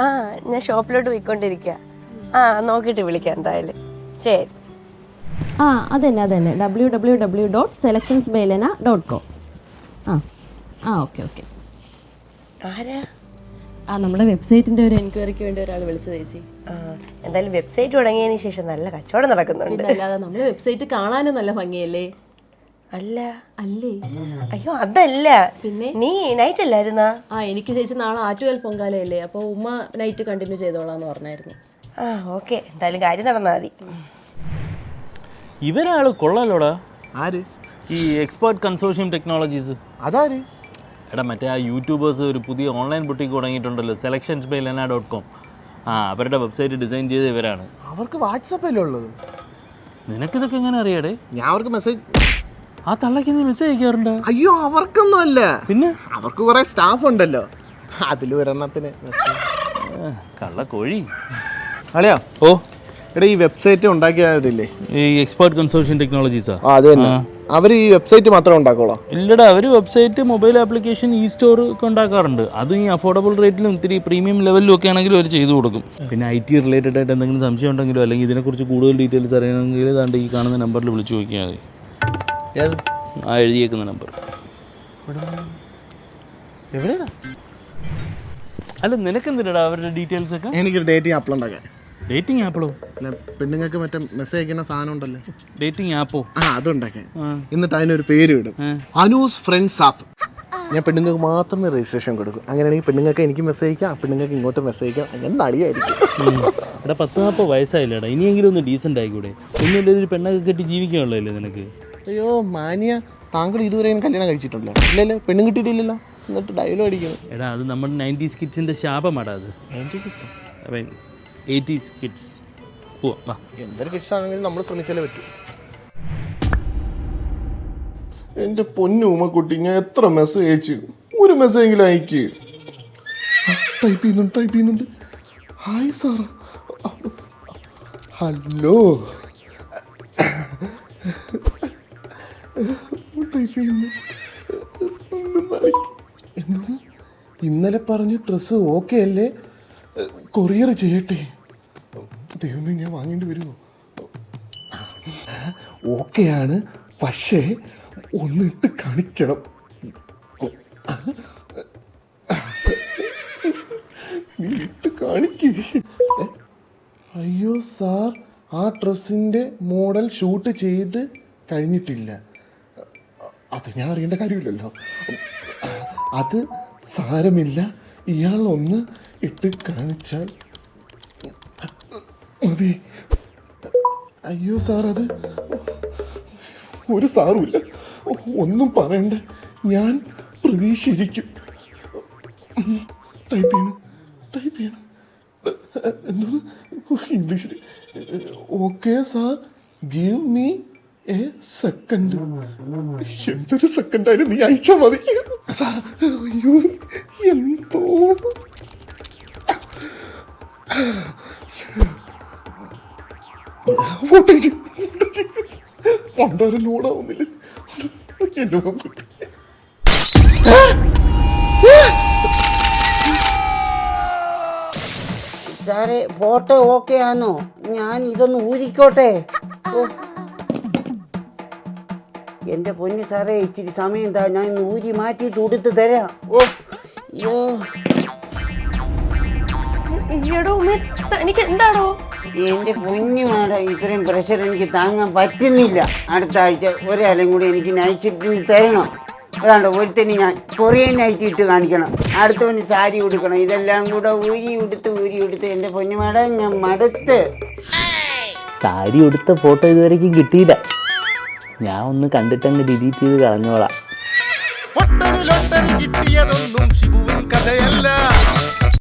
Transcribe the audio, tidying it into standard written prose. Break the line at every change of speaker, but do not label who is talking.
ആ ഞാൻ ഷോപ്പിലോട്ട് പോയിക്കൊണ്ടിരിക്കുക. നോക്കിയിട്ട് വിളിക്കാം എന്തായാലും. ശരി.
അതന്നെ www.selectionsbailena.com. ഓക്കെ.
ആരാ?
നമ്മുടെ വെബ്സൈറ്റിന്റെ ഒരു എൻക്വയറിക്ക് വേണ്ടി ഒരാൾ വിളിച്ചത് ചേച്ചി.
എന്തായാലും വെബ്സൈറ്റ് തുടങ്ങിയതിന് ശേഷം നല്ല കച്ചവടം നടക്കുന്നുണ്ട്.
പിന്നെ അല്ലാതെ നമ്മുടെ വെബ്സൈറ്റ് കാണാനും നല്ല ഭംഗിയല്ലേ?
അല്ലേ?
അയ്യോ
അതല്ല, പിന്നെ നീ നൈറ്റ് അല്ലായിരുന്നാ?
എനിക്ക് ചേച്ചി നാളെ ആറ്റുകാൽ പൊങ്കാലയല്ലേ, അപ്പൊ ഉമ്മ നൈറ്റ് കണ്ടിന്യൂ ചെയ്തോളാന്ന് പറഞ്ഞായിരുന്നു.
ഓക്കെ, എന്തായാലും കാര്യം നടന്നാൽ മതി.
ഇവരാള് കൊള്ളാലോടാ.
ആര്?
ഈ എക്സ്പേർട്ട് കൺസോർഷ്യം ടെക്നോളജീസ്.
അതാര്?
എടാ മറ്റേ ആ യൂട്യൂബേഴ്സ് ഒരു പുതിയ ഓൺലൈൻ ബുട്ടീക്ക് തുടങ്ങിയിട്ടുണ്ടല്ലോ, selectionsbailena.com. അവരുടെ വെബ്സൈറ്റ് ഡിസൈൻ ചെയ്ത ഇവരാണ്.
അവർക്ക് വാട്സപ്പല്ലേ ഉള്ളത്?
നിനക്കിതൊക്കെ എങ്ങനെ അറിയാടേ?
ഞാൻ അവർക്ക് മെസ്സേജ്,
ആ തള്ളക്ക് നീ മെസ്സേജ് അയക്കാറുണ്ടോ?
അയ്യോ അവർക്കൊന്നും അല്ല,
പിന്നെ
അവർക്ക് കുറെ സ്റ്റാഫ് ഉണ്ടല്ലോ, അതിൽ ഒരെണ്ണത്തിന്
കള്ളക്കോഴി.
അളിയാ,
ഓ
എടാ ഈ വെബ്സൈറ്റ് ഉണ്ടാക്കിയതില്ലേ,
ഈ എക്സ്പേർട്ട് കൺസോർഷ്യം ടെക്നോളജീസാ?
അത് തന്നെ. അവർ ഈ വെബ്സൈറ്റ് മാത്രമേ ഉണ്ടാക്കോളൂ?
ഇല്ലടാ, അവർ വെബ്സൈറ്റ്, മൊബൈൽ ആപ്ലിക്കേഷൻ, ഈ സ്റ്റോർ ഒക്കെ ഉണ്ടാക്കാറുണ്ട്. അതും ഈ അഫോർഡബിൾ റേറ്റിലും ഇത്തിരി പ്രീമിയം ലെവലിലും ഒക്കെ ആണെങ്കിലും അവർ ചെയ്തു കൊടുക്കും. പിന്നെ IT റിലേറ്റഡ് ആയിട്ട് എന്തെങ്കിലും സംശയം ഉണ്ടെങ്കിലോ അല്ലെങ്കിൽ ഇതിനെക്കുറിച്ച് കൂടുതൽ ഡീറ്റെയിൽസ് അറിയണമെങ്കിൽ ഏതാണ്ട് ഈ കാണുന്ന നമ്പറിൽ വിളിച്ചു നോക്കിയാൽ മതി. എഴുതിയേക്കുന്ന നമ്പർ.
എവിടെയാ?
അല്ല നിനക്കെന്തിനാ അവരുടെ ഡീറ്റെയിൽസ് ഒക്കെ?
എനിക്കൊരു ഡേറ്റിംഗ് ആപ്പ് ഉണ്ടാക്കാൻ.
ഡേറ്റിംഗ് ആപ്പിളോ?
അല്ല, പെണ്ണുങ്ങൾക്ക് മറ്റേ മെസ്സേജ് അയക്കുന്ന സാധനം ഉണ്ടല്ലോ,
ഡേറ്റിംഗ് ആപ്പോ?
അതുണ്ടാക്കാൻ. എന്നിട്ട് അതിനൊരു പേര് ഇടും, അനൂസ് ഫ്രണ്ട്സ് ആപ്പ്. ഞാൻ പെണ്ണുങ്ങൾക്ക് മാത്രമേ രജിസ്ട്രേഷൻ കൊടുക്കും. അങ്ങനെയാണെങ്കിൽ പെണ്ണുങ്ങൾക്ക് എനിക്ക് മെസ്സേജ് അയക്കാം, പെണ്ണുങ്ങൾക്ക് ഇങ്ങോട്ട് മെസ്സേജ് അയക്കാം. അങ്ങനെ നളിയായിരിക്കും.
എടാ 10-40 വയസ്സായില്ലേടാ, ഇനിയെങ്കിലും ഒന്ന് ഡീസൻ്റ് ആയിക്കൂടെ? ഒന്നുമില്ല, ഒരു പെണ്ണൊക്കെ കെട്ടി ജീവിക്കാനുള്ളതല്ലേ നിനക്ക്?
അയ്യോ മാനിയ, താങ്കൾ ഇതുവരെ കല്യാണം കഴിച്ചിട്ടുണ്ടല്ലോ? ഇല്ലല്ലോ, പെണ്ണും കിട്ടിയിട്ടില്ലല്ലോ, എന്നിട്ട് ഡയലോഗ് അടിക്കുന്നു.
എടാ അത് നമ്മുടെ 90s കിഡ്സിൻ്റെ ശാപമാടാ അത്. 80s kids.
എന്തൊരു കിഡ്സ് ആണെങ്കിലും നമ്മൾ ശ്രമിച്ചാലേ പറ്റൂ. എൻ്റെ പൊന്നു ഉമ്മക്കുട്ടി, ഞാൻ എത്ര മെസ്സേജ് അയച്ചു, ഒരു മെസ്സേജ് എങ്കിലും അയക്ക്. ടൈപ്പ് ചെയ്യുന്നുണ്ട്. ഹായ് സാറാ, ഹലോ, ടൈപ്പ് ചെയ്യുന്നു. ഇന്നലെ പറഞ്ഞ ഡ്രസ്സ് ഓക്കെ അല്ലേ? കൊറിയർ ചെയ്യട്ടെ? ദൈവമേ, ഞാൻ വാങ്ങേണ്ടി വരുമോ? ഓക്കെയാണ്, പക്ഷേ ഒന്നിട്ട് കാണിക്കണം. നീ ഇട്ട് കാണിക്ക്. അയ്യോ സാർ, ആ ഡ്രസ്സിൻ്റെ മോഡൽ ഷൂട്ട് ചെയ്ത് കഴിഞ്ഞിട്ടില്ല. അത് ഞാൻ അറിയേണ്ട കാര്യമില്ലല്ലോ. അത് സാരമില്ല, ഇയാൾ ഒന്ന് ഇട്ട് കാണിച്ചാൽ മതി. അയ്യോ സാർ, അത് ഒരു സാറുമില്ല, ഒന്നും പറയണ്ട, ഞാൻ പ്രതീക്ഷിച്ചിരിക്കും. ടൈപ്പ് ചെയ്യണം. എന്തോന്ന് ഇംഗ്ലീഷിൽ? Okay sir, give me a second. എന്തൊരു സെക്കൻഡായാലും നീ അയച്ചാൽ മതി സാർ. അയ്യോ എന്തോ പണ്ടാരും ലോഡാവുന്നില്ല. എന്നെ
സാറേ, ഫോട്ടോ ഓക്കെ ആണോ? ഞാൻ ഇതൊന്ന് ഊരിക്കോട്ടെ? എൻ്റെ പൊന്ന് സാറേ, ഇച്ചിരി സമയം എന്താ, ഞാൻ ഊരി മാറ്റിയിട്ട് ഉടുത്ത് തരാം.
എനിക്ക് എന്താണോ
എൻ്റെ പൊന്നു മാഡം, ഇത്രയും പ്രഷർ എനിക്ക് താങ്ങാൻ പറ്റുന്നില്ല. അടുത്ത ആഴ്ച ഒരാളെയും കൂടി എനിക്ക് നൈറ്റ് ഷിഫ്റ്റിന് തരണം. അതാണ്ട് ഒരുത്തന് ഞാൻ കൊറിയൻ നൈറ്റ് ഇട്ട് കാണിക്കണം, അടുത്തവന് സാരി ഉടുക്കണം. ഇതെല്ലാം കൂടെ ഊരി ഉടുത്ത് എൻ്റെ പൊന്നു മാഡം, ഞാൻ മടുത്ത്.
സാരി ഉടുത്ത ഫോട്ടോ ഇതുവരെയ്ക്കും കിട്ടിയില്ല. ഞാൻ ഒന്ന് കണ്ടിട്ടങ്ങ് ഡിലീറ്റ് ചെയ്ത് കളഞ്ഞോളാം.
കിട്ടിയതൊന്നും ഷിബുവിൻ കഥയല്ല.